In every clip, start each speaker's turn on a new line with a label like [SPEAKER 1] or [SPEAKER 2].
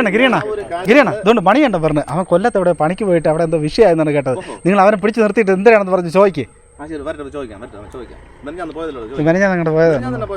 [SPEAKER 1] ഗിരിയണ്ണ ഇതുകൊണ്ട് പണിയുണ്ടോ പറഞ്ഞു. അവൻ കൊല്ലത്ത് എവിടെ പണിക്ക് പോയിട്ട് അവിടെ എന്തോ വിഷയമായെന്നാണ് കേട്ടത്. നിങ്ങൾ അവനെ പിടിച്ച് നിർത്തിയിട്ട് എന്തിനാണെന്ന് പറഞ്ഞ് ചോദിക്കേ. ഞാൻ അങ്ങോട്ട് പോയത്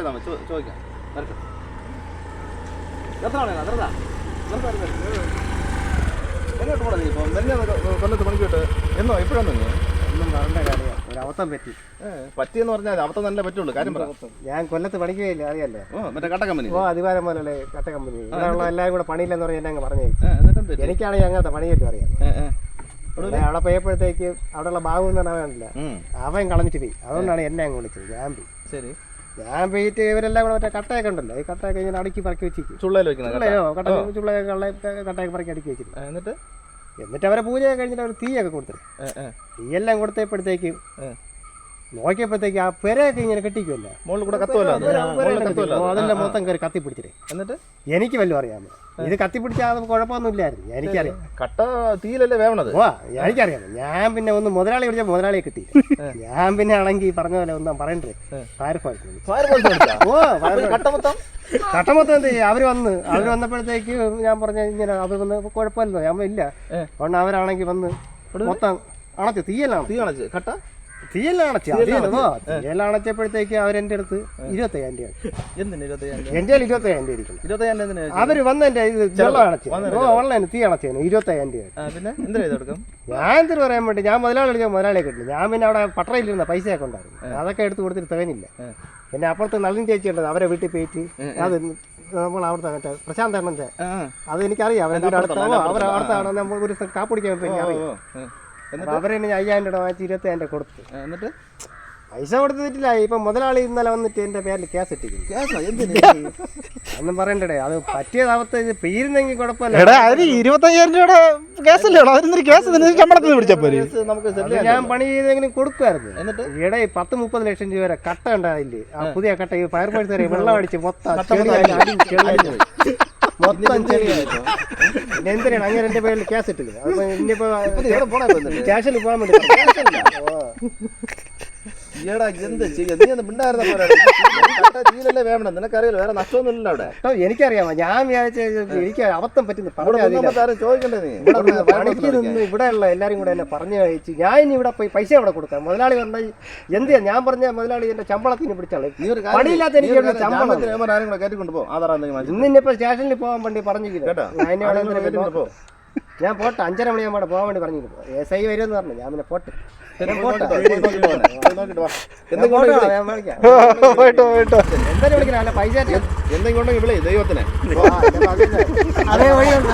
[SPEAKER 2] കൊല്ലത്ത് പണിക്ക് പോയിട്ട് എന്നോ ഇപ്പോഴാണ്
[SPEAKER 3] ഒന്നും പറഞ്ഞ കാര്യം ഒരു അബദ്ധം
[SPEAKER 2] പറ്റിയെന്ന് പറഞ്ഞാൽ അബദ്ധം നല്ല പറ്റുള്ളൂ. കാര്യം പറ.
[SPEAKER 3] ഞാൻ കൊല്ലത്ത് പണിക്കുകയില്ല അറിയാലോ.
[SPEAKER 2] മറ്റേ കട്ട കമ്പനി
[SPEAKER 3] അതിവാരം പോലുള്ള കട്ട കമ്പനി ഇവിടെയുള്ള എല്ലാവരും കൂടെ പണിയില്ലെന്ന് പറഞ്ഞാൽ എന്നെ പറഞ്ഞു. എനിക്കാണെങ്കിൽ അങ്ങനത്തെ പണിയല്ലോ അറിയാം. അവിടെ പോയപ്പോഴത്തേക്ക് അവിടെയുള്ള ബാബു എന്ന് പറഞ്ഞാൽ വേണ്ടില്ല, അവൻ കളഞ്ഞിട്ട് പോയി. അതുകൊണ്ടാണ് എന്നെ അങ്ങ് വിളിച്ചത്. ഞാൻ പോയിട്ട് ഇവരെല്ലാം കൂടെ മറ്റേ കട്ടയൊക്കെ ഉണ്ടല്ലോ, ഈ കട്ടയൊക്കെ ഇങ്ങനെ അടുക്കി പറക്കി വെച്ചിരിക്കും. കട്ടയൊക്കെ പറക്കി അടുക്കി വെച്ചിരിക്കും. എന്നിട്ട് അവരെ പൂജയൊക്കെ കഴിഞ്ഞിട്ട് അവർ തീയൊക്കെ കൊടുത്തിട്ട് തീയെല്ലാം കൊടുത്തപ്പോഴത്തേക്ക് നോക്കിയപ്പോഴത്തേക്ക് ആ പെരയൊക്കെ ഇങ്ങനെ കെട്ടിക്കുമല്ലോ, അതെല്ലാം മൊത്തം കയറി കത്തിപ്പിടിച്ചിട്ട്. എന്നിട്ട് എനിക്ക് വല്ലതും അറിയാമോ ഇത് കത്തിപ്പിടിച്ചാൽ കുഴപ്പമൊന്നും ഇല്ലായിരുന്നു. എനിക്കറിയാം
[SPEAKER 2] കട്ട തീയിലല്ലേ വേണത്.
[SPEAKER 3] എനിക്കറിയാം. ഞാൻ പിന്നെ ഒന്ന് മുതലാളി വിളിച്ചാൽ മുതലാളിയെ കിട്ടി. ഞാൻ പിന്നെ ആണെങ്കിൽ പറഞ്ഞ പോലെ ഒന്നും പറയണ്ടേ, കട്ടമൊത്തം എന്ത് ചെയ്യും. അവര് വന്നപ്പോഴത്തേക്ക് ഞാൻ പറഞ്ഞ ഇങ്ങനെ അവർ വന്ന് കുഴപ്പമില്ലോ. ഞാൻ ഇല്ല അതുകൊണ്ട് അവരാണെങ്കിൽ വന്ന് മൊത്തം അണച്ചു. തീയലാണ്
[SPEAKER 2] കട്ട
[SPEAKER 3] തീയെല്ലാം അണച്ചപ്പോഴത്തേക്ക് അവരെന്റെ അടുത്ത് 25,000 രൂപ എന്റെ 25,000 ഇരിക്കുന്നു. അവര് വന്ന് എന്റെ ഇത് വെള്ളം അണച്ചു ഓൺലൈൻ തീ അണച്ചേന് 25,000 രൂപ. ഞാൻ എന്തിനു പറയാൻ വേണ്ടി ഞാൻ മുതലാളി വിളിച്ചാൽ മുതലാളിയെ കിട്ടില്ല. ഞാൻ പിന്നെ അവിടെ പട്ടറയിലിരുന്ന പൈസയൊക്കെ ഉണ്ടായിരുന്നു, അതൊക്കെ എടുത്ത് കൊടുത്തിട്ട് തികഞ്ഞില്ല. പിന്നെ അപ്പുറത്ത് നളിനി ചേച്ചി ഉണ്ടത്, അവരെ വീട്ടിൽ പോയിട്ട് അത് നമ്മൾ അവിടുത്തെ മറ്റേ പ്രശാന്ത് അണ്ണന്റെ അത് എനിക്കറിയാം. അവരുടെ അടുത്താണ് നമ്മൾ ഒരു കാപ്പിടിക്കാൻ പറ്റി അറിയാം. അവരെന്നെ 5,000 രൂപ വാങ്ങിച്ച് 25,000 കൊടുത്തു. എന്നിട്ട് പൈസ കൊടുത്തിട്ടില്ല. ഇപ്പൊ മുതലാളി ഇന്നലെ വന്നിട്ട് എന്റെ പേരിൽ കേസ് ഇട്ടിരിക്കുന്നു. ഒന്നും പറയണ്ടേ, അത് പറ്റിയതാവത്തെ ഇത് പേരുന്നെങ്കിൽ കുഴപ്പമില്ല.
[SPEAKER 1] 25,000 രൂപയുടെ കേസല്ലേ
[SPEAKER 3] ഞാൻ പണി ചെയ്തെങ്കിലും കൊടുക്കുമായിരുന്നു. എന്നിട്ട് ഈടെ 10-30 ലക്ഷം രൂപ വരെ കട്ട ഉണ്ടായില്ലേ, ആ പുതിയ കട്ട ഈ ഫയർഫോഴ്സ് വരെ വെള്ളം അടിച്ച് മൊത്തം ചെളിയായിരുന്നു. എന്തിനാണ് അങ്ങനെ എന്റെ പേരിൽ കേസ് ഇട്ടില്ല. അപ്പൊ ഇനിയിപ്പോ സ്റ്റേഷനിൽ പോകാൻ വേണ്ടി
[SPEAKER 2] നിനക്കറിയാലോ വേറെ നഷ്ടമൊന്നുമില്ല അവിടെ.
[SPEAKER 3] എനിക്കറിയാമോ, ഞാൻ വിചാരിച്ച എനിക്ക് അബദ്ധം പറ്റുന്നു. ഇവിടെയുള്ള എല്ലാരും കൂടെ എന്നെ പറഞ്ഞു കഴിച്ചു. ഞാൻ ഇനി ഇവിടെ പോയി പൈസ അവിടെ കൊടുക്കാം. മുതലാളി പറഞ്ഞാൽ എന്തിനാ ഞാൻ പറഞ്ഞ മുതലാളി എന്റെ ശമ്പളത്തിന് പിടിച്ചാളെ പണിയില്ലാത്ത എനിക്ക് ഇന്നിപ്പോ സ്റ്റേഷനിൽ പോകാൻ വേണ്ടി പറഞ്ഞിരിക്കുന്നു. ഞാൻ പോട്ടെ 5:30 മണിയാകുമ്പോൾ പോകാൻ വേണ്ടി പറഞ്ഞിരുന്നു. SI വരുമെന്ന് പറഞ്ഞു. ഞാൻ പിന്നെ പോട്ടെ എന്തായാലും വിളിക്കണം. അല്ല പൈസ
[SPEAKER 2] എന്തെങ്കിലും വിളി ദൈവത്തിന്
[SPEAKER 3] അതേ വഴിയുണ്ട്.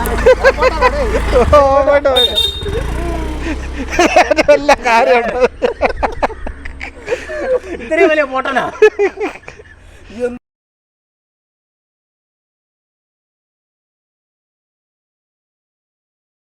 [SPEAKER 3] ഇത്രയും വലിയ പോട്ടനാ.